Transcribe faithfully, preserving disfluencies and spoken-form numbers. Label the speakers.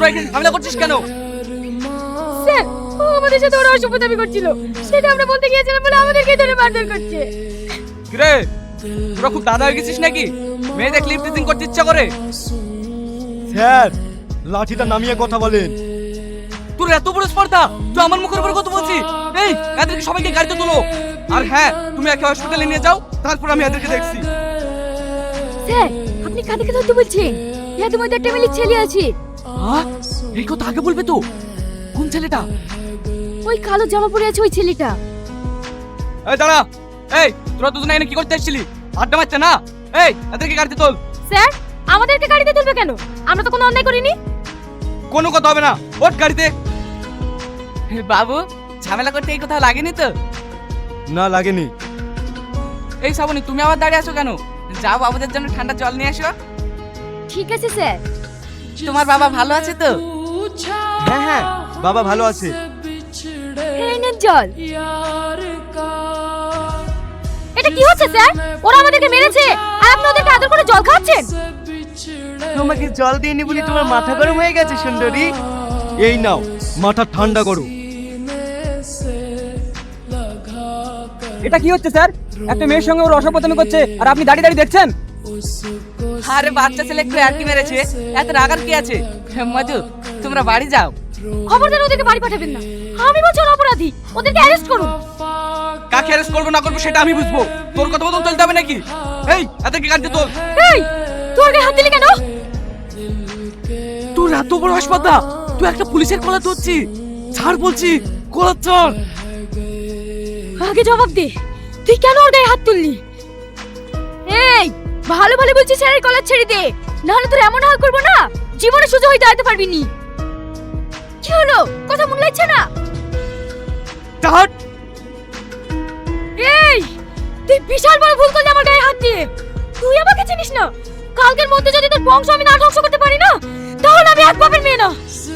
Speaker 1: তোরা এখানে ঝামেলা করছিস কেন?
Speaker 2: স্যার, ও আমাদের সাথে ওরা অসভ্যতামি করছিল, সেটা আমরা বলতে গিয়েছিলাম বলে আমাদেরকে ধরে মারধর করছে।
Speaker 1: কিরে, তোরা খুব দাদা হয়ে গেছিস নাকি? মেয়েদের ক্লিপ টিচিং করতে ইচ্ছা করে?
Speaker 3: স্যার, লাঠিটা নামিয়ে কথা বলেন।
Speaker 1: তোর এত বড় স্পর্ধা, তুই আমার মুখের উপর কথা বলছিস? এই, এদেরকে সবাইকে গাড়িতে তোলো। আর হ্যাঁ, তুমি একে হসপিটালে নিয়ে যাও, তারপর আমি এদেরকে দেখছি।
Speaker 2: স্যার, আপনি কাদেরকে ধরতে বলছেন? এদের মধ্যে একটা মিলি ছেলে আছে।
Speaker 1: হ্যাঁ, এই কথা আগে বলবে তো। কোন ছেলেটা?
Speaker 2: ওই কালো জামা পরে আছে ওই ছেলেটা।
Speaker 1: এই দাঁড়া। এই, তোরা দুজনে এখানে কি করতে এসেছিলি? আড্ডা মারছে না? এই, এদেরকে গাড়িতে তোল।
Speaker 2: স্যার, আমাদেরকে গাড়িতে তুলবে কেন? আমরা তো কোনো অন্যায় করিনি।
Speaker 1: কোনো কথা হবে না, ওঠ গাড়িতে। বাবু, ঝামেলা করতে এই কথা লাগেনি তো?
Speaker 3: না, লাগেনি।
Speaker 1: এই শ্রাবণী, তুমি আবার দাঁড়িয়ে আছো কেন? যাও বাবুদের জন্য ঠান্ডা জল নিয়ে আসো।
Speaker 2: ঠিক আছে স্যার।
Speaker 1: তোমার বাবা ভালো আছে তো?
Speaker 3: হ্যাঁ হ্যাঁ, বাবা ভালো আছে।
Speaker 2: এই নেন জল। এটা কি হচ্ছে স্যার? ওরা আমাদেরকে মেরেছে আর আপনি ওদেরকে আদর করে জল খাওয়াচ্ছেন।
Speaker 3: তোমাকে জল দিইনি বলে তোমার মাথা গরম হয়ে গেছে সুন্দরী। এই নাও, মাথা ঠান্ডা করো।
Speaker 1: এটা কি হচ্ছে স্যার? একটা মেয়ের সঙ্গে ওর অসভ্যতামি করছে আর আপনি দাঁড়িয়ে দাঁড়িয়ে দেখছেন? আরে বাচ্চা ছেলে একটু আর কি মেরেছে, এত রাগার কি আছে? মজু, তোমরা বাড়ি যাও।
Speaker 2: খবরদার ওদেরকে বাড়ি পাঠাবেন না। আমি বলছি ওরা অপরাধী, ওদেরকে অ্যারেস্ট করুন।
Speaker 1: কাকে অ্যারেস্ট করবো না করবো সেটা আমি বুঝবো। তোর কথা মতন চলতে হবে নাকি? এই, এদেরকে গাড়িতে তোল।
Speaker 2: এই, তোর গায়ে হাত দিলি কেন?
Speaker 1: তোর এত বড় হাসপাতাল, তুই একটা পুলিশের কলা ধরছি? ছাড় বলছি, কলা ছাড়।
Speaker 2: আগে জবাব দে, তুই কেন ওর গায়ে হাত তুললি? এই, ভালো ভালো বলছিস স্যারের কলার ছেড়ে দে, নাহলে তোর এমন হাল করবো না জীবনে সোজা হয়ে দাঁড়াতে পারবি নি। কি হলো, কথা মনে লাগছে না?
Speaker 1: ছাড়।
Speaker 2: এই, তুই বিশাল বড় ভুল করলি আমার গায়ে হাত দিয়ে। তুই আমাকে চিনিস না? কালকের মধ্যে যদি তোর বংশ আমি না ধ্বংস করতে পারি না, তাহলে আমি এক বাপের মেয়ে না।